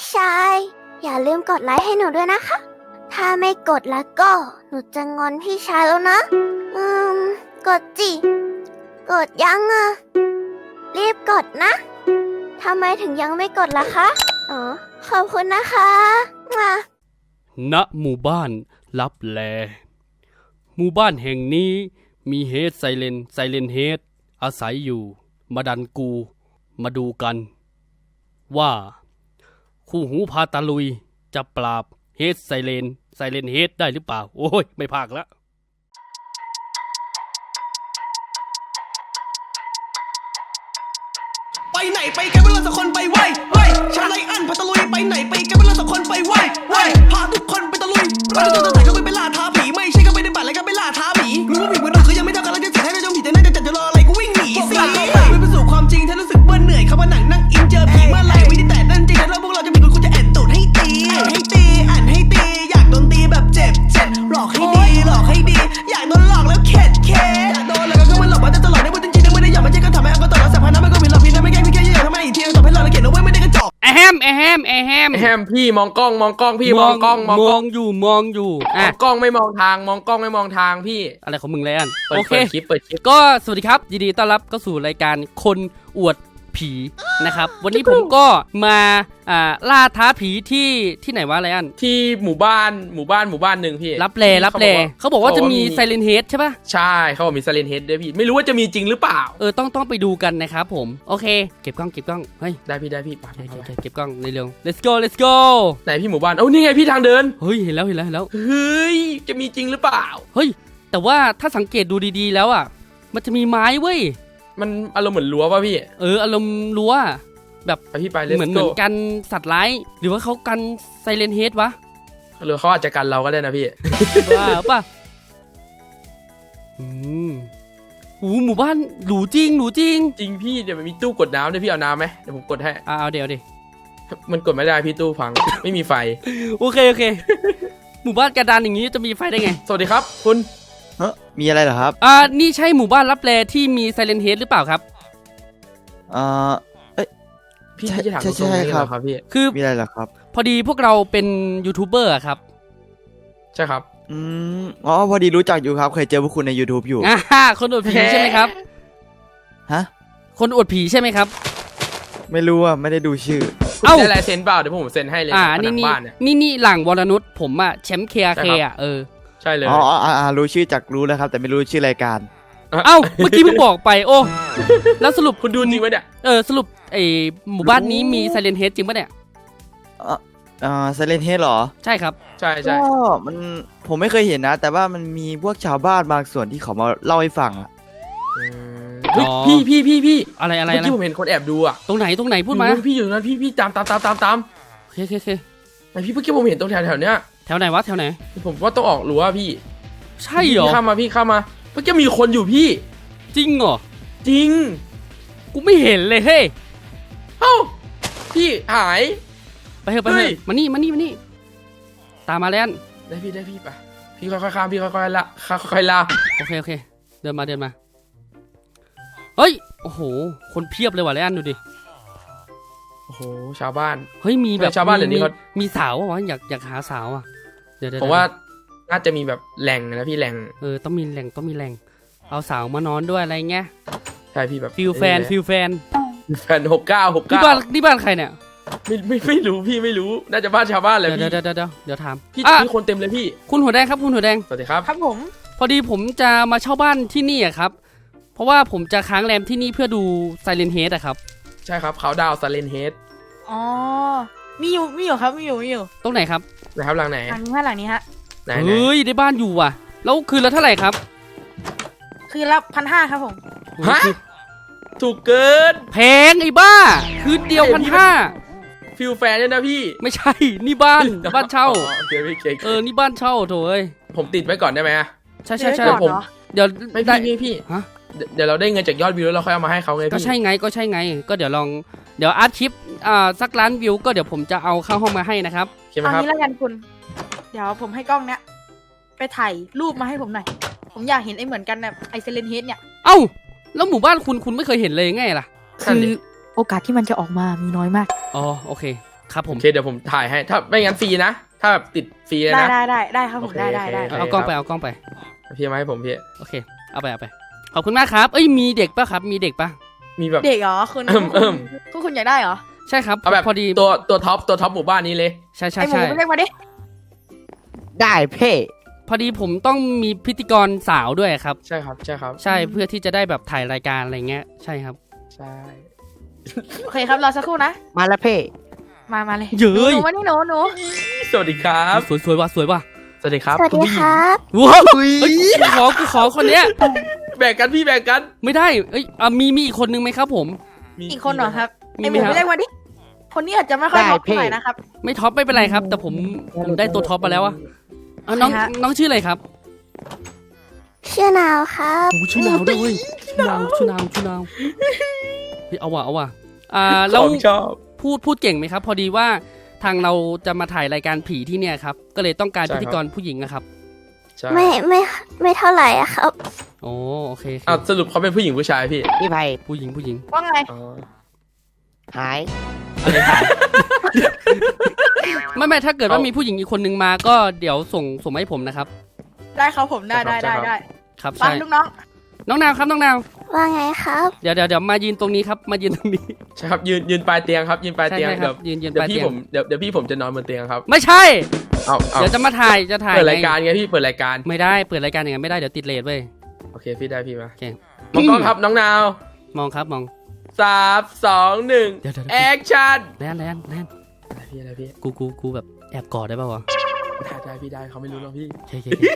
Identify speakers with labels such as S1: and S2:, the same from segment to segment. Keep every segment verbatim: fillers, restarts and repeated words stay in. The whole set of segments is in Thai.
S1: ชายอย่าลืมกดไลค์ให้หนูด้วยนะคะถ้าไม่กดแล้วก็หนูจะงอนพี่ชายแล้วนะอืมกดจิกดยังอ่ะรีบกดนะทำไมถึงยังไม่กดล่ะคะอ๋อขอบคุณนะคะมา
S2: ณหมู่บ้านลับแลหมู่บ้านแห่งนี้มีเฮดไซเลนไซเลนเฮดอาศัยอยู่มาดันกูมาดูกันว่าคู่หูพาตาลุยจะปราบเฮดไซเลนไซเลนเฮดได้หรือเปล่าโอ้ยไม่พากละ
S3: ไปไหนไปกันเวลาสักคนไปไหวไหวชาไลอันพาตะลุยไปไหนไปกันเวลาสักคนไปไหวไหวพาทุกคนไปตะลุยเราจะจะถ่ายก็ไปเป็นล่าท้าผีไม่ใช่ก็ไปในบัตรแล้วก็ไปล่าท้าผีรู้ว่าผีมันดุคือยังไม่เท่ากันแล้วจะสิให้ได้จงผีแต่น่าจะจัดจะรออะไรก็วิ่งหนีสิไม่ไปสู่ความจริงถ้ารู้สึกเบื่อเหนื่อยเข้ามาหนังนั่งอินเจอผีเมื่อไหร่ไม่ได้แต่นั่นจริงแล้วพวกเราจะมีคนคุณจะแอนตูดให้ตีให้ตีอ่านให้ตีอยากโดนตีแบบเจ็บเจ็บหลอกให้ดีหลอกให้ดีอยากโดนหลอกแล้วเข็ดเข็ดอยากโดนแล้วก็มันหลอกมาจะตลอดได้พูดจริงๆไม่ได้อยากมาเจ๊ก็ทำให้เอาก็ต่อแล้วสัพพานะไม่ก็มีเราพี่นะไม่แก้ไม่แก้ยังทำไมอีกทีต่อให้เราเขียนเอาไว้ไม่ได้กระจอก
S2: แอมแอมแอม
S4: แฮมพี่มองกล้องมองกล้องพี่มองกล้อง
S2: มองมองอยู่มองอยู่
S4: มองกล้องไม่มองทางมองกล้องไม่มองทางพี่
S2: อะไรของมึงเลยอัน
S4: โอเคคลิปเปิดคลิป
S2: ก็สวัสดีครับยินดีต้อนรับเข้าสู่รายการคนอวดผีนะครับวันนี้ผมก็มาอ่าล่าท้าผีที่ที่ไหนวะไรอัน
S4: ที่หมู่บ้านหมู่บ้านหมู่บ้านหนึ่งพี่
S2: รับแลรับแลเขาบอกว่าจะมีไซเลนเฮดใช่ป่ะ
S4: ใช่เขาบอกมีไซเลนเฮดด้วยพี่ไม่รู้ว่าจะมีจริงหรือเปล่า
S2: เออต้องต้องไปดูกันนะครับผมโอเคเก็บกล้องเก็บกล้องเฮ้ย
S4: ได้พี่ได้พี่ไป
S2: เก็บกล้องในเร็ว let's go let's go
S4: ไหนพี่หมู่บ้านเอ้านี่ไงพี่ทางเดิน
S2: เฮ้ยเห็นแล้วเห็นแล้วเห็นแล้ว
S4: เฮ้ยจะมีจริงหรือเปล่า
S2: เฮ้ยแต่ว่าถ้าสังเกตดูดีๆแล้วอ่ะมันจะมีไม้เว้ย
S4: มันอารมณ์เหมือนรั้วป่ะพี่
S2: เอออารมณ์รั้วแบบ
S4: พี่ไป
S2: เหมือนเหมือนกันสัตว์ร้ายหรือว่าเขากันไซเลนเฮดวะ
S4: หรือเขาอาจจะกันเราก็ได้นะพี่
S2: ว้าป่ะอืมหูหมู่บ้านหรูจริงหรูจริง
S4: จริงพี่เดี๋ยวมันมีตู้กดน้ำด้วยพี่เอาน้ำไหมเดี๋ยวผมกดให้
S2: อ่าเอาเดี๋ยวดิ
S4: มันกดไม่ได้พี่ตู้พังไม่มีไฟ
S2: โอเคโอเคหมู่บ้านกระดานอย่างนี้จะมีไฟได้ไง
S4: สวัสดีครับคุณ
S5: เฮ้มีอะไรเหรอครับ
S2: อ่านี่ใช่หมู่บ้านลับแลที่มีไซเลนเฮดหรือเปล่าครับ
S5: อ่า
S4: พี่จะถามตรงๆครับครับพี่
S2: คือ
S5: มีอะไรเหรอครับ
S2: พอดีพวกเราเป็นยูทูบเบอร์ครับ
S4: ใช่ครับ
S5: อืมอ๋อพอดีรู้จักอยู่ครับเคยเจอพวกคุณใน YouTube อยู่
S2: อ่าคนอวดผีใช่ไหมครับ
S5: ฮะ
S2: คนอวดผีใช่ไหมครับ
S5: ไม่รู้อ่ะไม่ได้ดูชื่อ
S4: เอ้าได้ลายเซ็นเปล่าเดี๋ยวผมเซ็นให้เลย
S2: อ่านี่นี่นี่นี่หลังวรนุชผมอ่ะแชมป์เคอาเคอ่ะเออ
S4: ใช่เลย
S5: อ๋ออ่ารู้ชื่อจากรู้แล้วครับแต่ไม่รู้ชื่อรายการ
S2: เอ้าเมื่อกี้เพิ่งบอกไปโอ้แล้วสรุป
S4: คุณดูจริงไหมเนี่ย
S2: เออสรุปไอหมู่บ้านนี้มีไซเลนเฮดจริงปะเนี่ย
S5: อ่าไซเลนเฮดเหรอ
S2: ใช่ครับ
S4: ใช่ใช่
S5: ก็มันผมไม่เคยเห็นนะแต่ว่ามันมีพวกชาวบ้านบางส่วนที่เขามาเล่าให้ฟังอ่ะ
S4: พี่พี่พี่พี่
S2: อะไรอะไร
S4: เมื่อกี้ผมเห็นคนแอบดูอ่ะ
S2: ตรงไหนตรงไหนพูดมา
S4: พี่อยู่นั้นพี่พี่ตามตามตามตามตาม
S2: โอเคโอเค
S4: ไอพี่เมื่อกี้ผมเห็นตรงแถวแถวเนี้ย
S2: แถวไหนวะแถวไหน
S4: ผมว่าต้องออกรั้วพี่
S2: ใช่เหรอ
S4: พี่เข้ามาพี่เข้ามาเมื่อกี้มีคนอยู่พี่
S2: จริงเหรอ
S4: จริง
S2: กูไม่เห็นเลยเฮ้ย
S4: เอ้าพี่หาย
S2: ไปเถอะไปเถอะมานี่มานี่มานี่ตามมาแล้ว
S4: ได้พี่ได้พี่ไปพี่ค่อยๆข้ามพี่ค่อยๆละค่อยๆละ
S2: โอเคโอเคเดินมาเดินมาเฮ้ยโอ้โหคนเพียบเลยว่ะแล้วดูดิ
S4: โอ้โหชาวบ้าน
S2: เฮ้ยมีแบบ
S4: ชาวบ้านเดี๋ยวนี้เขา
S2: มีสาววะอยากอยากหาสาวอ่ะ
S4: เดี๋ยวผมว่าน่าจะมีแบบแหล่งนะพี่แหล่ง
S2: เออต้องมีแหล่งต้องมีแหล่งเอาสาวมานอนด้วยอะไรเงี้ย
S4: ใช่พี่แบบ
S2: ฟิลแฟนฟิลแฟน
S4: แฟนหกเก้าหกเก้า
S2: นี่บ้านนี่บ้านใครเนี่ย
S4: ไม่ไม่ไม่รู้พี่ไม่รู้น่าจะบ้านชาวบ้านเลย
S2: พี่เดี๋ยวเดี๋ยวเดี๋ยวเดี๋ยวถาม
S4: พี่มีคนเต็มเลยพี่
S2: คุณหัวแดงครับคุณหัวแดง
S4: สวัสดีครับ
S1: ครับผม
S2: พอดีผมจะมาเช่าบ้านที่นี่อะครับเพราะว่าผมจะค้างแรมที่นี่เพื่อดูไซเลนเฮดอะครับ
S4: ใช่ครับเขาดาวไซเลนเฮด
S1: อ๋อมีอยู่มีอยู่ครับมีอยู่มีอยู่
S2: ตรงไหนครับ
S4: นะครับหลังไหน
S1: หลังนี้หลังนี้ฮะ
S2: เฮ้ยได้บ้านอยู่ว่ะแล้วคืนละเท่าไหร่ครับ
S1: คืนละพันห้าครับผม
S4: ฮะถูกเกิน
S2: แพงไอ้บ้าคืนเดียวพันห้า
S4: ฟิลแฟนเนี่ยนะพี่
S2: ไม่ใช่นี่บ้านบ้านเช่า
S4: เอ
S2: อนี่บ้านเช่าโถ่เอ้ย
S4: ผมติดไว้ก่อนได้ไหม
S2: ใช่ใช่ใช่
S4: ผม
S2: เดี๋ยว
S4: ไม่พี่พี่ฮะเดี๋ยวเราได้เงินจากยอดวิวแล้วเราค่อยเอามาให้เขาไงพี่
S2: ก็ใช่ไงก็ใช่ไงก็เดี๋ยวลองเดี๋ยวอาร์ตคลิปอ่าสักล้านวิวก็เดี๋ยวผมจะเอาเข้าห้องมาให้นะครับ
S1: เอางี้แล้วกันคุณเดี๋ยวผมให้กล้องเนี้ยไปถ่ายรูปมาให้ผมหน่อยผมอยากเห็นไอ้เหมือนกันแบบไอเซเลนเฮดเนี่ย
S2: เอ้าแล้วหมู่บ้านคุณคุณไม่เคยเห็นเลยไงล่ะ
S1: คือโอกาสที่มันจะออกมามีน้อยมาก
S2: อ๋อโอเคครับผม
S4: โอเคเดี๋ยวผมถ่ายให้ถ้าไม่งั้นฟรีนะถ้าแบบติดฟรีเลย
S6: ได้
S4: นะ
S6: ได้ได้ได้ครับผม
S4: โอเค
S6: ได้ได้ได้
S4: โอเค
S2: เอากล้องไปเอากล้องไป
S4: พี่เอามาให้ผมพี่
S2: โอเคเอาไปเอาไปขอบคุณมากครับเอ้ยมีเด็กปะครับมีเด็กปะ
S4: มีแบบ
S6: เด็กเหรอคุณ
S4: เอิ่มเอิ่ม
S6: คุณคุณอยากได้เหรอ
S2: ใช่ครับ
S4: เอาแบบ
S2: พอดี
S4: ตัวตัวท็อปตัวท็อปหมู่บ้านนี้เลย
S2: ใช่ใช่
S6: ไอหมู
S2: ใช่
S6: ไปเรียกมาดิ
S5: ได้เพ่
S2: พอดีผมต้องมีพิธีกรสาวด้วยครับ
S4: ใช่ครับใช่ครับ
S2: ใช่เพื่อที่จะได้แบบถ่ายรายการอะไรเงี้ยใช่ครับ
S4: ใช่
S6: โอเคครับรอสักครู่นะ
S5: มาแล้วเพ่
S6: มามาเลย
S2: เย้ย
S6: หนูมานี่หนูหนู
S4: สวัสดีครับ
S2: สวยสวยว่ะสวยว่ะ
S4: สวัสดีครับ
S1: สวัส
S4: คุณ
S1: ดี
S4: ผู้หญิ
S1: ค
S4: ง
S1: รับ
S2: ว้าวเฮ้ยกูขอกูขอคนเนี้ย
S4: แบ่งกันพี่แบ่งกัน
S2: ไม่ได้เอ้ยอ่ะมีมีอีกคนนึงไหมครับผม
S4: มี
S6: อีกคนเหรอครับ
S2: มี
S6: ไอ
S2: ไห
S6: ห
S2: ม
S6: มู
S2: ครับ
S6: ไปเรียกมาดิคนนี้อาจจะไม่ค่อยท็อปเท่าไหร่นะครับ
S2: ไม่ท็อปไม่เป็นไรครับ แต่ผมผมได้ตัวท็อปมาแล้วอะเอาน้อง
S6: ใครฮะ
S2: น้องชื่ออะไรครับ
S1: ชื่อนาวครับ
S2: โอ้ชื่อนาวด้วยชื่อนาวชื่อนาวชื่อนาวเฮ้ยเอาว่ะเอาว่ะอ่าแล้ว
S4: ของชอบ
S2: พูดพูดเก่งไหมครับ พอดีว่าทางเราจะมาถ่ายรายการผีที่เนี่ยครับก็เลยต้องการ
S4: ใช่
S2: พิ
S4: ครับ
S2: ธีกรผู้หญิงนะครับ
S4: ใช่
S1: ไม่ไม่ไม่เท่าไหร่อะครับ
S2: โอ้โอเคโอเค
S4: อ้าวสรุปเขาเป็นผู้หญิงผู้ชายพี่
S5: พี่ไผ่
S2: ผู้หญิงผู้หญิง
S6: ว่าไง
S4: อ๋อ
S5: หาย
S2: ไม่ไม่ถ้าเกิดว่ามีผู้หญิงอีกคนนึงมาก็เดี๋ยวส่งส่งมาให้ผมนะครับ
S6: ได้ครับผมได้ได้ได้ได้
S2: ครับ
S6: ฟัง
S2: ใช่
S6: ลูกน้อง
S2: น้องนาวครับน้องนาว
S1: ว่าไงครับ
S2: เดี๋ยวเดี๋ยวเดี๋ยวมายืนตรงนี้ครับมายืนตรงนี้
S4: ใช่ครับยืนยืนปลายเตียงครับยืนปลาย
S2: ใช่
S4: เตียง
S2: ใช่ค
S4: เดี๋
S2: รั
S4: ยว
S2: บยืนยืน
S4: เดี๋
S2: ป
S4: ย
S2: ลายว
S4: พี่
S2: เตียง
S4: ผมเดี๋ยวเดี๋ยวพี่ผมจะนอนบนเตียงครับ
S2: ไม่ใช่
S4: เอาเอา
S2: เดี๋ยวจะมาถ่ายจะถ่าย
S4: เปิดรายการ
S2: ไง
S4: ไงพี่เปิดรายการ
S2: ไม่ได้เปิดรายการอย่างนั้นไม่ได้เดี๋ยวติดเลทเว้ย
S4: โอเคพี่ได้พี่มา
S2: โอเค
S4: มองกล้องครับน้องนาว
S2: มองครับมอง
S4: สามสองหนึ่ง
S2: เดี๋ยวเดี๋ยว
S4: แอคชั่น
S2: แลนแลนแลน
S4: อะไรพี่อะไรพี่
S2: กูกูกูแบบแอบกอดได้ป่าวะ
S4: ได้ได้พี่ได้เขาไม่รู้หรอกพี่
S2: โอเคโอเคโอเค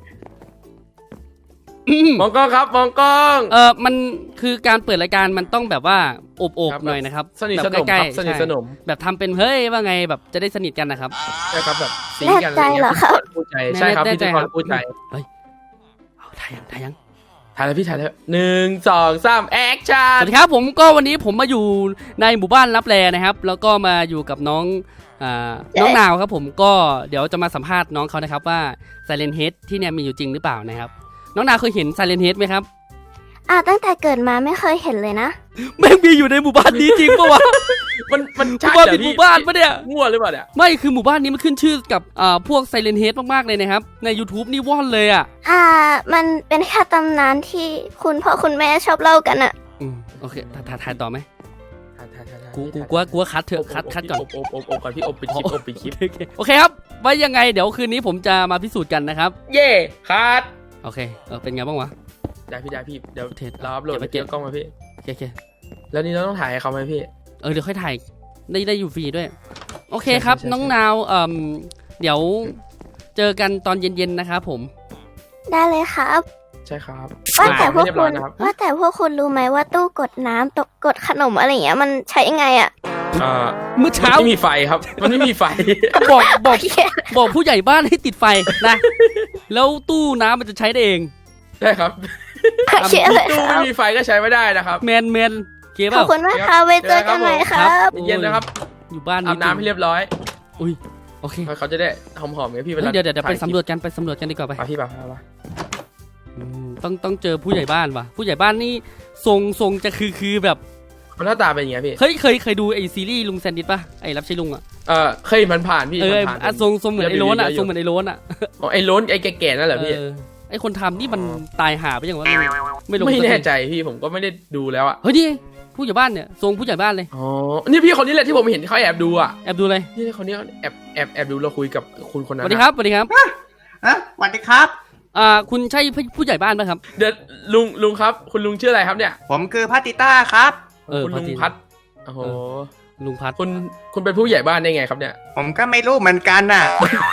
S2: อืม
S4: มองกล้องครับมองกล้อง
S2: เออมันคือการเปิดรายการมันต้องแบบว่าอบอบ
S4: ครับ
S2: หน่อยนะครับ
S4: สนิท
S2: แบ
S4: ส
S2: บ
S4: นม
S2: ใกล้
S4: ครับ
S2: ๆ
S4: สนิท
S2: ใช่
S4: สนม
S2: แบบทำเป็นเฮ้ยว่าไงแบบจะได้สนิทกันนะครับ
S4: ใช่ครับแบบสี
S1: แน่
S4: กัน
S1: ใจเหรอครับ
S4: พูดใจใช่ครับ
S2: แน่
S4: พิ
S2: ใจ
S4: ธีก
S2: ค
S4: ร
S2: รับ
S4: พูดใจ
S2: เอาถ่ายยังถ่ายยัง
S4: ถ่ายแล้วพี่ถ่ายแล้วหนึ่งสองสามแอคชั่
S2: ส
S4: น
S2: วัสดีครับผมก็วันนี้ผมมาอยู่ในหมู่บ้านลับแลนะครับ แล้วก็มาอยู่กับน้องอ่าน้องนาวครับผมก็เดี๋ยวจะมาสัมภาษณ์น้องเขานะครับว่า Silent Head ที่เนี่ยมีอยู่จริงหรือเปล่านะครับ น้องนาวเคยเห็น Silent Head ไหมครับ
S1: อ่าตั้งแต่เกิดมาไม่เคยเห็นเลยนะ
S2: แม่งมีอยู่ในหมู่บ้านนี้จริงปะวะ
S4: มันมัน
S2: ห
S4: ใช่
S2: มู่บ้าน
S4: เหรอ
S2: ผิดห
S4: พี่
S2: มู่บ้านปะเนี่ย
S4: มั่วหรือเปล่าเนี่ย
S2: ไม่คือหมู่บ้านนี้มันขึ้นชื่อกับอ่าพวก Silent Head มากๆเลยนะครับใน YouTube นี่ว่อนเลยอ่ะ
S1: อ่า มันเป็นแค่ตำนานที่คุณพ่อคุณแม่ชอบเล่ากันอะ
S2: อืมโอเคถ่ายถ่ายถ่ายต่อไหม
S4: ถ่ายถ่ายถ่ายถ่าย
S2: กูกู
S4: ถ่าย
S2: กูว่ากูว่าคัดเถอะคัดคัดก่อน
S4: อบอบอบอบก่อนพี่อบปิดคลิปอบปิดคลิป
S2: โอเคโอเคครับไว้ยังไงเดี๋ยวคืนนี้ผมจะมาพิสูจน์กันนะครับ
S4: เย่คัด
S2: โอเคเออเป็นไงบ้างวะ
S4: ได้พี่ได้พี่เดี๋ยว
S2: เทส
S4: เราอัพโหลด
S2: เก็บไว้
S4: เดี๋ยวกล้องมาพี่
S2: โอเคโอเค
S4: แล้วนี่เราต้องถ่ายให้เขาไหมพี่
S2: เออเดี๋ยวค่อยถ่ายได้ได้อยู่ฟรีด้วย โอเค
S4: ใช่
S2: ครับ
S4: ใช่ใช่
S2: น้องนาวเอ่มเดี๋ยวเจอกันตอนเย็นๆนะครับผม
S1: ได้เลยครับ
S4: ใช่ครับ
S1: ว่าแต่พวก
S4: เรียบ
S1: คุ
S4: ร้อย
S1: ณ
S4: นะครับ
S1: ว่าแต่พวกคุณรู้ไหมว่าตู้กดน้ำตกกดขนมอะไรอย่างเงี้ยมันใช้ยังไงอะ
S4: เอ่อ
S2: เมื่อ
S4: มัน
S2: เช้า
S4: ไม่มีไฟครับ มันไม่มีไฟ
S2: บอกบอกบอกผู้ใหญ่บ้านให้ติดไฟนะ แล้วตู้น้ำมันจะใช้ได้เอง
S4: ใช่ครับ
S1: โอเคเลย
S4: ตู้
S1: ค
S4: ไม่
S1: รับ
S4: มีไฟก็ใช้ไม่ได้นะครับ
S2: แมนแมนเก็บ
S1: ข
S2: เป
S1: อบ
S2: ล่า
S1: คุณมากครับไว้เจอกันใหม่ครับ
S2: โอ้ย
S4: เย็นนะครับ
S2: อยู่บ้าน
S4: อาบน้ำให้เรียบร้อย
S2: อุ้ยโอเค
S4: เขาจะได้หอมๆไงพี่เว
S2: เฮ้ย
S4: ลา
S2: เดี๋ยวเดี๋ยวเดี๋ยวไป
S4: ถ่ายคลิ
S2: สำรวจกันไปสำรวจกันดีกว่าไป
S4: ปมาพี่ป่ะมา
S2: อืมต้องต้องเจอผู้ใหญ่บ้านว่ะผู้ใหญ่บ้านนี่ทรงทรงจะคือคือแบบ
S4: มันหน้าตาเป็นยังไงพี่
S2: เฮ้ยเคยเคยดูไอซีรีส์ลุงแซนดิสป่ะไอรับใช้ลุงอ่ะ
S4: เออเคยมันผ่านพี่
S2: เออ
S4: ผ่าน
S2: อ่ะทรงทรงเหมือนไอ้โล้นอ่ะทรงเหมือนไอ้โล้นอ่ะ
S4: อ๋อไอ้ล้นไอ้แก่ๆนั่นเหรอพี่
S2: เออไอคนทำนี่มันตายหาไปยังวะไม่ลง
S4: ไม่
S2: สักที
S4: แน่ใจพี่ผมก็ไม่ได้ดูแล้วอ่ะ
S2: เฮ้ยนี่ผู้ใหญ่บ้านเนี่ยทรงผู้ใหญ่บ้านเลย
S4: อ๋อนี่พี่คนนี้แหละที่ผมเห็นเขาแอบดูอ่ะ
S2: แอบดูเลย
S4: นี่คนนี้แอบแอบแอบดูเราคุยกับคุณคน
S2: ส
S4: นั้น
S2: วัสดีครับสวัสดีครับ
S7: ฮะสวัสดีครับ
S2: อ่าคุณใช่ผู้ใหญ่บ้านป่ะครับ
S4: เดี๋ยวลุงลุงครับ คุณลุงชื่ออะไรครับเนี่ย
S7: ผมคือพัตติต้าครับ
S2: เออ
S4: คุณ
S2: พอ
S4: ลุง
S2: ดี
S4: พัดโอ้โห
S2: เอ ลุงพัด
S4: คุณคุณเป็นผู้ใหญ่บ้านได้ไงครับเนี่ย
S7: ผมก็ไม่รู้เหมือนกันน่ะ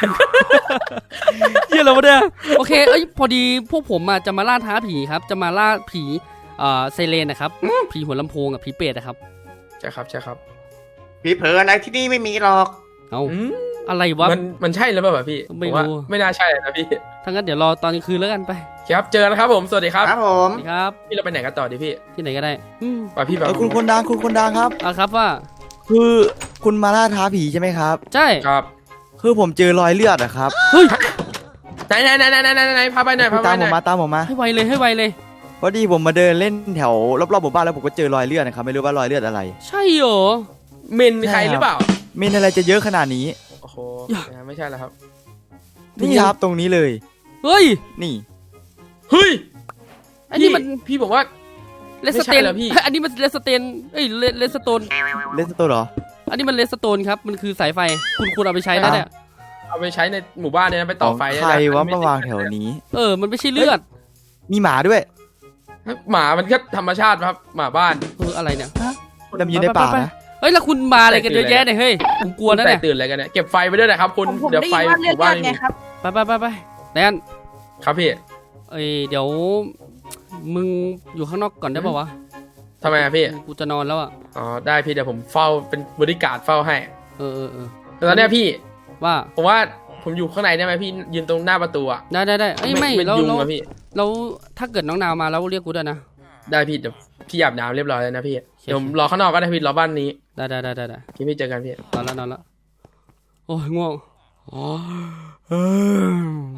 S2: เยี่ยแล้ววะเนี่ยโอเคเอ้ยพอดีพวกผมอ่ะจะมาล่าท้าผีครับจะมาล่าผีอ่าไซเรนนะครับผีหัวลำโพงกับผีเปรตนะครับ
S4: ใช่ครับใช่ครับ
S7: ผีเผลออะไรที่นี่ไม่มีหรอก
S2: เอา
S4: อืม
S2: อะไรวะ
S4: มันมันใช่หรือเปล่าพี่
S2: ไม่
S4: ผว่า
S2: รู้
S4: ไม่น่าใช่นะพี่
S2: ถ้างั้นเดี๋ยวรอตอนกลางคืนแล้วกันไป
S4: ครับเจอกันครับผมสวัสดีครับ
S7: ครับผม
S2: สวัสดีครับ
S4: พี่เราไปไหนกันต่อดีพี่
S2: ที่ไหนก็ได้อืม
S4: ไปพี่ไป
S5: เออคุณคนดังคุณคนดังครับ
S2: อ่ะครับว่า
S5: คือคุณมาล่าท้าผีใช่ไหมครับ
S2: ใช่
S4: ครับ
S5: คือผมเจอรอยเลือดอะครับ
S2: เฮ้ย
S4: ไหนไหนไหนไหนไหนไหนพาไปหน่อยพาไป
S5: ตาม
S4: ห
S5: ผ
S4: น่อ
S5: ม
S4: ย
S5: มาตามผมมา
S2: ให้ไวเลยให้ไวเลย
S5: พอดีผมมาเดินเล่นแถวรอบๆหมู่บ้านแล้วผมก็เจอรอยเลือดนะครับไม่รู้ว่ารอยเลือดอะไร
S2: ใช่เหรอ
S4: เมนใครหรือเปล่า
S5: เมนอะไรจะเยอะขนาดนี้
S4: โอ้โหไม่ใช่แล้วครับ
S5: นี่ครับตรงนี้เลย
S2: เฮ้ย
S5: นี่
S4: เฮ้ย
S2: อันนี้มัน
S4: พี่ผมว่า
S2: เลสเตน
S4: ไม่ใช่เหรอพี่
S2: อันนี้มันเลสเตนเอ้ยเลเลสโตน
S5: เลสโตเหรอ
S2: อันนี้มันเลสโตนครับมันคือสายไฟคุณคุณเอาไปใช้แล้วเนี่ย
S4: เอาไปใช้ในหมู่บ้านเนี่ยนะไปต่อไฟ
S5: ของ
S4: เนี่ย
S5: ใคร
S4: นะ
S5: วะมาวางแถวนี้
S2: เออมันไม่ใช่เลือด
S5: มีหมาด้วย
S4: หมามันก็ธรรมชาติครับหมาบ้าน
S2: เอออะไรเนี่ย
S5: ดำอยู่ในป่านะ
S2: เฮ้ยแล้วคุณมาอะไรกันเยอะแยะเนี่ยเฮ้ยผมกลัวนะ
S4: แต่
S2: เนี่ย
S4: ตื่นอะไรกันเนี่ยเก็บไฟไปด้วยนะครับคุณ
S6: ผมผม
S4: เดี๋ยว
S6: ได้
S4: ไฟ
S6: ยินว่า
S4: ห
S6: เลือด
S4: มู่บ้าน
S6: ไง
S4: ไม่มี
S6: ครับ
S2: ไปไปไปไปแดน
S4: ครับพี่
S2: เอ้ยเดี๋ยวมึงอยู่ข้างนอกก่อนได้ป่าวะ
S4: ทำไมอะพี่
S2: กูจะนอนแล้วอ่ะ
S4: อ๋อได้พี่เดี๋ยวผมเฝ้าเป็นบริการดเฝ้าให้
S2: เออเออเออ
S4: แต่ตอนเนี้ยพี่
S2: ว่า
S4: ผมว่าผมอยู่ข้างในได้ไหมพี่ยืนตรงหน้าประตูอะ
S2: ได้ได้ได้เอ้ยไม่
S4: เป็น
S2: แล้ว
S4: ยุง
S2: แล้ว
S4: อะพี่
S2: แล้วถ้าเกิดน้องนาวมาแล้วเรียกกูด้วยนะ
S4: ได้พี่เดี๋ยวพี่อาบน้ำเรียบร้อยแล้วนะพี่เดี๋ยวผมรอข้างนอกก็ได้พี่รอบ้านนี้
S2: ได้ได้ได้ได้ได้
S4: พี่พี่เจอกันพี่
S2: นอนแล้วนอนแล้วโอ้ยง่วงอ๋อเออ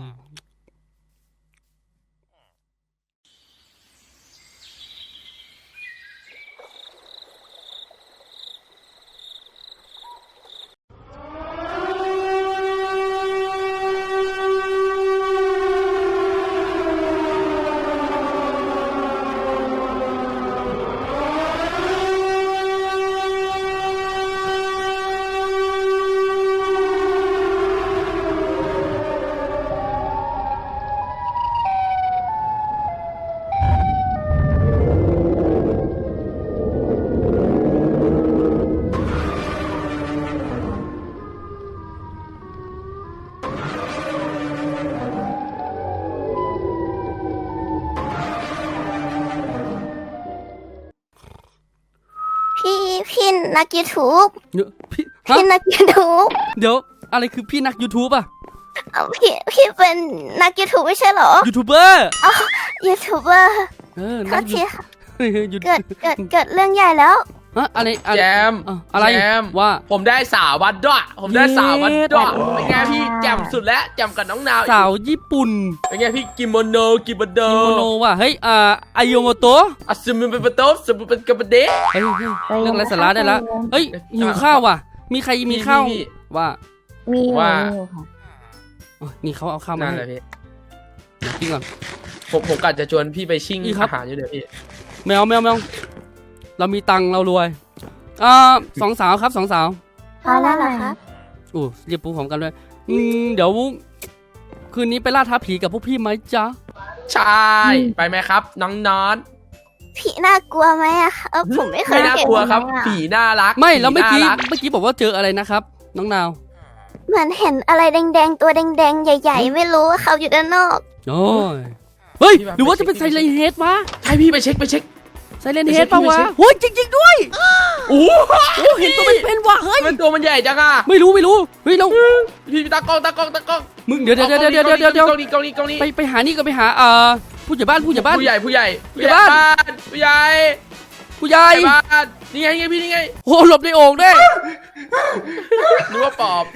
S1: พี่พี่นักยูทูบ
S2: เดี๋ยวพี่ฮะ
S1: พี่นักยูทูบ
S2: เดี๋ยวอะไรคือพี่นัก YouTube อ่ะ
S1: เอาพี่พี่เป็นนักยูทูบไม่ใช่เหรอ
S2: ยูทูบเบอร์
S1: ยูทูบเบอร์
S2: เออ
S1: โท
S2: นั
S1: ษ
S2: ก
S1: ทีค่ะ
S2: ยู
S1: เกิดเกิดเกิดเรื่องใหญ่แล้ว
S2: ฮะอะไรอะไร
S4: แจม
S2: อ่ะอะไร
S4: แจม
S2: ว่า
S4: ผมได้สาววัดด้วยผมได้สาววัดด้วย
S2: เย้
S4: เป็นไงพี่แจ่มสุดแล้วแจ่มกับน้องนาวอีก
S2: สาวญี่ปุ่น
S4: เป็นไงพี่กิโมโนกิโมโน
S2: กิโมโนว่ะเฮ้ยอ่าไอโยโมโตะ
S4: อัศมินเป็นประตูสมุนเป็นกระเบเดะ
S2: เฮ้ยเฮ้ยเรื่องไร้สาระได้ละเฮ้ยหิวข้าวว่ะ มีใครมีข้าว
S4: พี่
S2: ว่า
S8: มี
S4: ว่า
S2: อ๋อนี่เขาเอาข้าวมา
S4: นั่น
S2: ให้
S4: แหละพี่
S2: เดี๋ยวกินก่อน
S4: ผมผมกะจะชวนพี่ไปชิ่ง
S2: อีกครับ
S4: อาหารอยู่เดี๋ยวพี่
S2: แมวแมวแมวเรามีตังค์เรารวยอ่าสองสาวครับสองสาว
S1: พอแล้วเหรอครับ
S2: โอ้เรียบปูพร้อมกันด้วยอืมเดี๋ยวคืนนี้ไปล่าท้าผีกับพวกพี่ไหมจ๊ะ
S4: ใช่ไปไหมครับ น้องนอน
S1: พี่น่ากลัวไหมอะครับผมไม่เค
S4: ไม่
S1: ย
S4: น่า
S1: เห็น
S4: กลัวครับ
S1: อะ
S4: ผีน่ารัก
S2: ไม่แล้วเมื่อกี้
S4: ผีน่ารั
S2: เมื่อกี้บอกว่าเจออะไรนะครับ น้องนาว
S1: เหมือนเห็นอะไรแดงๆ ตัวแดงๆ ใหญ่ ๆ ไม่รู้ว่าเขาอยู่ด้านนอก
S2: โอ้ยเฮ้ยหรือว่าจะเป็นไซเลนเฮดวะ
S4: ใช่พี่ไปเช็คไปเช็ค
S2: ไซเลนเฮดปะวะ
S4: ไปเช็ค
S2: โอ้ยจริง ๆ ด้วย
S4: โอ้
S2: โอ้เห็นตัวเป็นๆว่ะเฮ้ย
S4: มันตัวมันใหญ่จังอ่ะ
S2: ไม่รู้ไม่รู้เฮ้ยเรา
S4: พี่ตากล้องตากล้องตากล้อง
S2: มึงเดี๋ยวเดี๋ยวเดี๋ยวเดี๋ยวเดี๋ยวเดี๋ยว
S4: กล้องนี้กล้องนี้กล้องนี้
S2: ไปไปหานี่ก็ไปหาเอ่อผู้ใหญ่บ้านผู้ใหญ่บ้าน
S4: ผู้ใหญ่ผู้ใหญ่
S2: ผู้ใหญ่บ้าน
S4: ผู้ใหญ่
S2: ผู้ใหญ่
S4: ผู้ใหญ่บ้านนี่ไงนี่ไงพี่นี่ไง
S2: โอ้หลบในโอ่งด้วย
S4: นึกว่าปอบ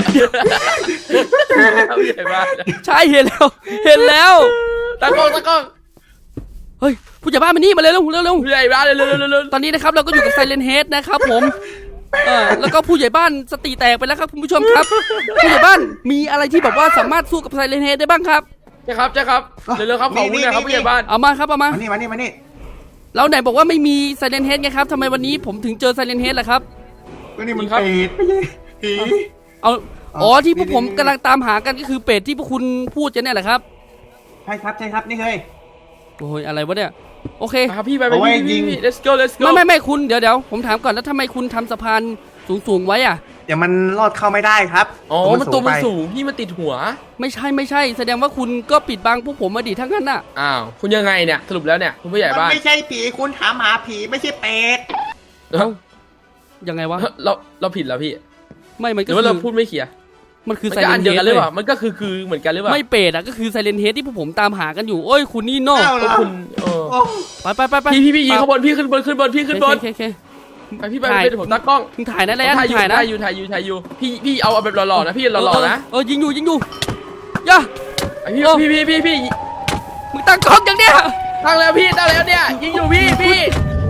S4: ผู้ใหญ่บ้าน
S2: ใช่เห็นแล้ว เห็นแล้ว
S4: ตากล้องตากล้อง
S2: เฮ้ยผู้ใหญ่บ้านมานี่มาเร็วเร็วเร็วเร็ว
S4: ผู้ใหญ่บ้านเร็วเร็วเร็วเร็ว
S2: ตอนนี้นะครับเราก็อยู่กับไซเลนเฮดนะครับผมเออแล้วก็ผู้ใหญ่บ้านสติแตกไปแล้วครับคุณผู้ชมครับ ผู้ใหญ่บ้านมีอะไรที่แบบว่าสามารถสู้กับไซเลนเฮดได้บ้างครับ
S4: ใช่ครับใช่ครับเร็วเร็วครับขอวุ้นหนะครับผู้ใหญ่บ้าน
S2: เอามาครับเอามา
S7: มานี่มานี่มานี่
S2: แล้วไหนบอกว่าไม่มีไซเลนเฮดไงครับทำไมวันนี้ผมถึงเจอไซเลนเฮดล่ะครับ
S7: ก็นี่มันเป็ดไม่ใช่ผี
S2: เอาอ๋อที่พวกผม
S7: นี่นี่
S2: กำลังตามหากันก็คือเป็ดที่พวกคุณพูดกันเนี่ยแหละครับ
S7: ใช่ครับใช่ครับนี่เลย
S2: โอ้ยอะไรวะเนี่ยโอเค
S4: ครับพี่ไปไป
S7: เอาไว้
S4: พี่
S7: ยิ
S4: พี่
S7: ง
S4: พี่ let's go let's go
S2: ไม่ไม่ไม่คุณเดี๋ยวเดี๋ยวผมถามก่อนแล้วทำไมคุณทำสะพานสูงสูงๆไว้อะ
S7: เดี๋ยวมันลอดเข้าไม่ได้ครับ
S4: อ๋อมันตัวมัน
S7: ไป
S4: สูงพี่มันติดหัว
S2: ไม่ใช่ไม่ใช่ แสดงว่าคุณก็ปิดบังพวกผมมาดิทั้งนั้นน่ะ
S4: อ้าวคุณยังไงเนี่ยสรุปแล้วเนี่ยคุณผู้ใหญ่
S7: มัน
S4: บ้าน
S7: ไม่ใช่ผีคุณถามหาผีไม่ใช่เป็ด
S4: เอ้า
S2: ยังไงวะ
S4: เราเราผิดแล้วพี่
S2: ไม่มัน
S4: ห
S2: ก็
S4: รือ
S2: คื
S4: ว่าเรา
S2: อ
S4: พูดไม่เคลียร์
S2: มันคือ
S4: มัน
S2: ไซ
S4: ก็
S2: เล
S4: อั
S2: น
S4: น
S2: เฮ
S4: เดียวกัน
S2: ด
S4: หรือ
S2: เล
S4: เปล่าย มันก็คือคือเหมือนกันหรือเปล่า
S2: ไม่เป็ดอะก็คือไซเลนเฮดที่พวกผมตามหากันอยู่โอ้ยคุณนี่โน่
S7: เอ้าเหรอ
S4: คุณเออ
S7: โอ้
S2: ไปไปไปไป
S4: พี่พี่พี่ยิงข้างบนพี่ขึ้นบนขึ้นบนพี่ขึ้นบน
S2: โอเคโอเค
S4: ไปพี่ไปไปเดี๋ยวผมตั้งกล้อง
S2: มึงถ่ายนะ
S4: ผ
S2: ไร
S4: ม
S2: อัน
S4: ถ่ายอยู่
S2: ถ่ายนะ
S4: ถ่ายอยู่ถ่ายอยู่ถ่ายอยู่พี่พี่เอาเอาแบบหล่อๆนะพี่หล่อๆนะ
S2: เออยิงอยู่ยิงอยู่ย่า
S4: ไอพี่
S2: เออ
S4: พี่พี่พี่พี่
S2: มึงตั้งกล้องอย่างเนี้ย
S4: ตั้งแล้วพี่ตั้งแล้วเนี่ยยิงอยู่พี่พี่พ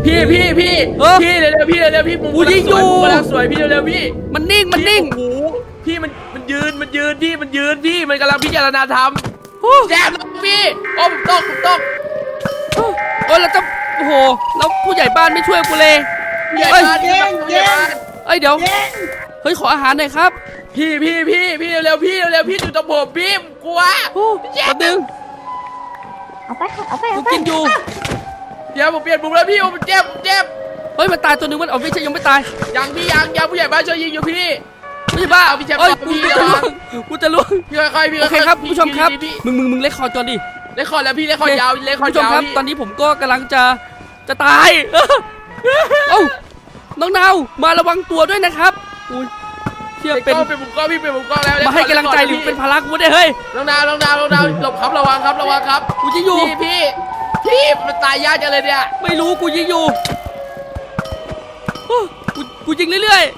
S4: พี่พี่พี่
S2: เออ
S4: พี่เร็วๆพี่เร็วๆพี่มุม
S2: กูยิงอยู่
S4: มุมกำลังสวยพี่เร็วๆพี่
S2: มันนิ่งมันนิ่ง
S4: โอ้โหพี่มันมันยืนมันยืนพี่มันยืนพี่มันกำลังพิจารณาทำแจมแล้วพี่โอ้ผมตกผมตก
S2: โอ้ยแล้วจะโอ้โหแล้วผู้ใหญ่บ้านไม่ช่วยกูเลย
S4: ผู้ใหญ่
S2: เอ้ย
S4: บ้านพี่ผู้ใหญ่บ้าน
S2: เอ้ยเดี๋ยวเฮ้ยขออาหารหน่อยครับ
S4: พี่พี่พี่พี่เร็วๆพี่เร็วๆพี่อยู่ตรงผมพี่ผมกลัว
S2: โอ้แป๊บนึง
S1: เอาไปค่ะเอาไป
S2: กู
S1: เอาไป
S2: กินอยู่
S4: เดี๋ยวผมเปลี่ยนมุมแล้วพี่ผมเจ็บผมเจ็บ
S2: เฮ้ยมันตายตัวหนึงมันเอาไม่ใช่ยังไม่ตาย
S4: ยังพี่ยังยังผู้ใหญ่บ้านช่วยยิงอยู่พี่
S2: ไม่ใช่บ้า
S4: เอาพี่แจ๊ค
S2: เอ้ย
S4: ก่อน
S2: กู
S4: พี่
S2: กูจะ
S4: ระวั
S2: ล่ว
S4: ง
S2: งกูจะล่วง
S4: พี่ค่อยๆพี่
S2: โอเคครับ
S4: พี่
S2: ผู้ชมครับ
S4: พี่พี่
S2: มึงมึงมึงเล็กคอร์ดก่อนดิ
S4: เล่นคอร์ดแล้วพี่เล่นคอร์ดยาวเล่นคอร์ด
S2: ผู้ชม
S4: ยาว
S2: ครับ
S4: พี่
S2: ตอนนี้ผมก็กำลังจะจะตาย เอ้าน้องนาวมาระวังตัวด้วยนะครับอุ้ยเชื่อ
S4: เป็
S2: เป็น น
S4: เป็นมุมกล้องพี่เป็นมุมกล้องแล้ว
S2: มาให้กำลังใจหรือเป็นภาระกูเนี่ยเฮ้ย
S4: น้องดาวน้องดาวน้องดาวหลบครับระวังครับระวังครับ
S2: กูจะอยู่
S4: พี่พี่พี่มันตายยากจังเลยเนี่ย
S2: ไม่รู้กูยิงอยู่โอ้กูกูยิงเรื่อย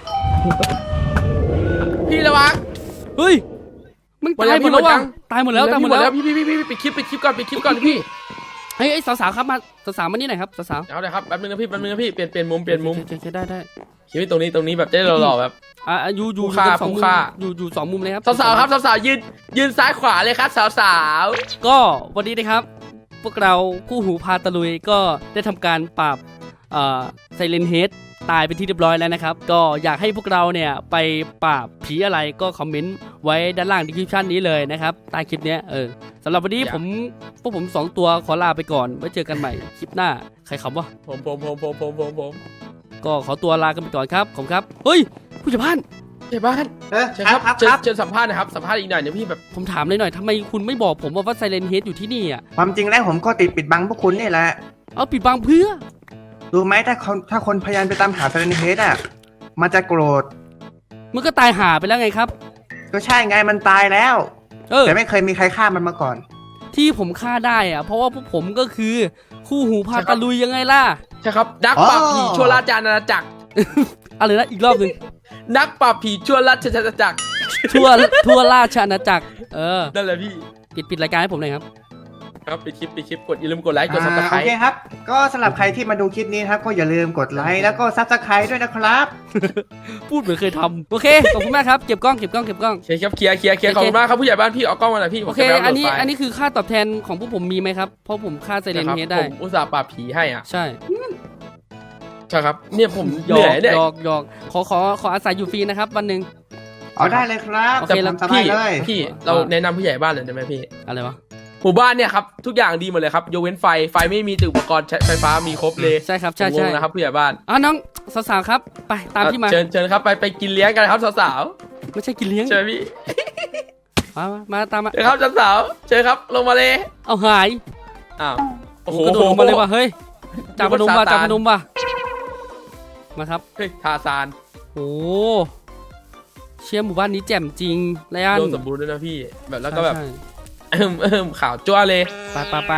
S4: พี่ระวัง
S2: ๆเฮ้ยมึง
S4: หมด
S2: ตาย
S4: แล้ว
S2: หมดแล้ว
S4: พี่หมดยั
S2: วะ
S4: ง
S2: ตายหมดแล้วตายหมดแล้ว
S4: พี่พี่พี่พี่ปิดคลิปปิดคลิปก่อนปิดคลิปก่อนพี่
S2: เฮ้ยเอ้ยสาวๆครับมาสาวๆมานี่หน่อยครับสาว
S4: เอาเลยครับแป๊บนึงนะพี่แป๊บนึงนะพี่เปลี่ยนเปลี่ยนมุม
S2: ๆ
S4: เปลี่ยนมุม
S2: โอเคโอเคได้ได้
S4: คลิปตรงนี้ตรงนี้แบบจะได้หล่อๆแบบ
S2: อ่ะอ่ะอยู่อยู่
S4: ผู้ฆ่า
S2: อยู่สองมุ
S4: ผู้
S2: ม
S4: ฆ่า
S2: อยู่อยู่สองมุมเลยครับ
S4: สาวๆครับสาวๆยืนยืนซ้ายขวาเลยครับสาว
S2: ก็วันนี้นะครับ พวกเราคู่หูพาตะลุยก็ได้ทำการปราบเอ่อไซเลนเฮดตายเป็นที่เรียบร้อยแล้วนะครับ ก็อยากให้พวกเราเนี่ยไปปราบผีอะไรก็คอมเมนต์ไว้ด้านล่างดีคริปชันนี้เลยนะครับใต้คลิปเนี้ยเออสำหรับวันนี้ผมพวกผมสองตัวขอลาไปก่อนไว้เจอกันใหม่คลิปหน้าใครคำวะ
S4: ๆผมผมผมผมผมผมผม
S2: ก็ขอตัวลากันไปก่อนครับขอบคุณครับเฮ้ยผู้ใหญ่บ้าน
S4: เจ้าบ้าน
S7: เออ
S4: เชิญ
S7: ค
S4: ค
S7: รั
S4: รั
S7: บบ ครับ
S4: เชิ
S7: ค
S4: ญ
S7: รับ
S4: เชิญสัมภาษณ์หนะครับสัมภาษณ์อีกหน่อยเดี๋ยวพี่แบบ
S2: ผมถามเลยหน่อยทำไมคุณไม่บอกผมว่าว่าไซเลนเฮดอยู่ที่นี่อ่ะ
S7: ความจริงแล้วผมก็ติดปิดบังพวกคุณนี่แหละ
S2: เอาปิดบังเพื่อ
S7: รู้ไหมถ้าคนถ้าคนพยายามไปตามหาเซเลนเฮดอ่ะ มันจะโกรธ
S2: มันก็ตายหาไปแล้วไงครับ
S7: ก็ใช่ไงมันตายแล้ว
S2: เออ
S7: แต่ไม่เคยมีใครฆ่ามันมาก่อน
S2: ที่ผมฆ่าได้อะเพราะว่าพวกผมก็คือคู่หูพาตะลุยยังไงล่ะ
S4: ใช่ครับนักปราบผีชั่วราชอาณาจักร
S2: อะไรนะอีกรอบหนึ่ง
S4: นักปราบผีชั่วราชอาณาจักร
S2: ทั่วทั่วราชอาณาจักรเออ
S4: นั่นแหละพี่
S2: ปิดปิดรายการให้ผมหน่อยครับ
S4: ครับปิดคลิปปิดคลิปกดอย่าลืมกดไลค์กดซับส
S7: อ่า
S4: ไคร
S7: โอ
S4: ต์
S7: เคครับ ก็สำหรับใครที่มาดูคลิปนี้นะครับ ก็อย่าลืมกดไลค์แล้วก็ซับสไครต์ด้วยนะครับ
S2: พูดเหมือนเคยทำโอเคขอบคุณมากครับเก็บกล้องเก็บกล้องเก็บกล้อง
S4: โอเคครับเคลียร์เคลียร์เคลียร์
S2: โอเค
S4: ขอบคุณมากครับผู้ใหญ่บ้านพี่เอากล้องมาหน่อยพี่ผม
S2: โอเค
S4: จะไป
S2: อันนี้
S4: โหลดไฟล์
S2: อันนี้คือค่าตอบแทนของพวกผมมีไหมครับเพราะผมฆ่าไซเรน
S4: นะครับ
S2: เฮดได้
S4: ผมอุตส่าห์ปราบผีให้อ่ะ
S2: ใช่
S4: ใช่ครับเนี่ยผม
S2: ห
S4: เห
S2: ยอ
S4: นื่อก ยเนี่ย
S2: หยอกหยอกขอขอขออาศัยอยู่ฟรีนะครับวันหนึ่ง
S7: เอาได้เลยครับ
S2: โอเค
S7: แต่
S2: แล้ว
S7: ทำสบาย
S4: พี่
S7: เลย
S4: พี่เราแนะนำผู้ใหญ่บ้านเลยได้ไหมพี่
S2: อะไรวะ
S4: หมู่บ้านเนี่ยครับทุกอย่างดีหมดเลยครับยกเว้นไฟไฟไม่มีแต่อุปกรณ์ใช้ไฟฟ้ามีครบเลย
S2: ใช่ครับใช่
S4: ผมง
S2: ใช่
S4: งนะครับผู้ใหญ่บ้าน
S2: อ่ะน้องสาวๆครับไปตามพี่มา
S4: เชิญเชิญครับไปไปกินเลี้ยงกันครับสาว
S2: ไม่ใช่กินเลี้ยง
S4: ๆเชิญพี่
S2: มามามาตามมา
S4: เชิญครับสาวๆเชิญครับลงมาเลย
S2: เอาหาย
S4: อ้าวโอ้โห
S2: กระโดดลงมาเลยว่ะเฮ้ยจับพนมว่ะ
S4: ซาตาน
S2: จับพนมว่ะมาครับ
S4: เฮ้ยทาซาน
S2: โอ้เชี่ยหมู่บ้านนี้แจ่มจริงไรอัน
S4: โดนสมบูรณ์ด้วยนะพี่แบบแล้วก็แบบ
S2: ใช่
S4: เอิ่มเอิ่มข่าวจ้วเลย
S2: ใช่ไปไปไป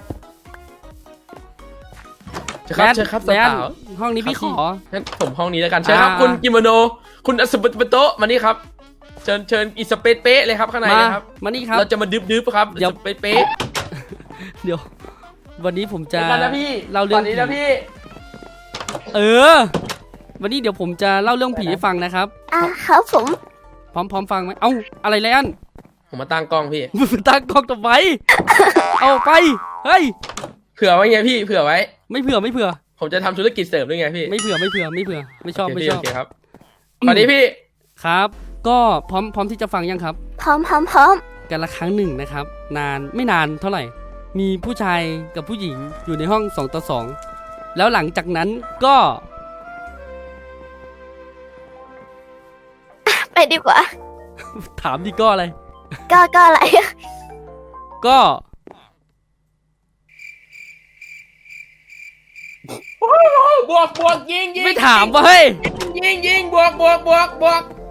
S4: เชิญครับเชิญครับ
S2: แบน
S4: สาว
S2: ห้องนี้พี่ขอ
S4: ๆงั้นผมห้องนี้แล้วกันเชิญครับ
S2: อ่า
S4: คุณกิโมโนคุณอสปปโตะมานี่ครับเชิญเชิญอีสเปซเป๊ะเลยครับข้างใน
S2: มา
S4: นะครับ
S2: มานี่ครับ
S4: เราจะมาดึบดึบๆครับ
S2: เดี๋ยว
S4: สเปซเป๊ะ
S2: เดี๋ยว วันนี้ผมจะ
S4: เดี๋ยวก่อนนะพี่
S2: เล่าเรื่อง
S4: วันนี้นะพี่
S2: เออ วันนี้เดี๋ยวผมจะเล่าเรื่องผีให้ฟังนะครับ
S1: อ่ะครับผม
S2: พร้อมพร้อมฟังไหมเอ้าอะไรไรอัน
S4: ผมมาตั้งกล้องพี่
S2: มึงตั้งกล้องทำไมเอาไปเฮ้ย
S4: เผื่อไว้ไงพี่เผื่อไว้
S2: ไม่เผื่อไม่เผื่อ
S4: ผมจะทำธุรกิจเสริมด้วยไงพี่
S2: ไม่เผื่อไม่เผื่อไม่เผื่อไม่ชอบ
S4: โอ
S2: ไม่
S4: เค
S2: ช
S4: โอ
S2: อบ
S4: เคครับตอนนี้พี่
S2: ครับ ก็พร้อมพร้อมที่จะฟังยังครับ
S1: พร้อมพร้อมพร้อม
S2: กันละครั้งหนึ่งนะครับ นานไม่นานเท่าไหร่ มีผู้ชายกับผู้หญิงอยู่ในห้องสองต่อสองแล้วหลังจากนั้นก็
S1: ไปดีกว่า
S2: ถามดีก็อะไร
S1: ก็ก็อะไร
S2: ก็
S4: บวกบวกยิงยิง
S2: ไม่ถามว่าเฮ้ย
S4: ยิงยิงบวกบวกบวกบวก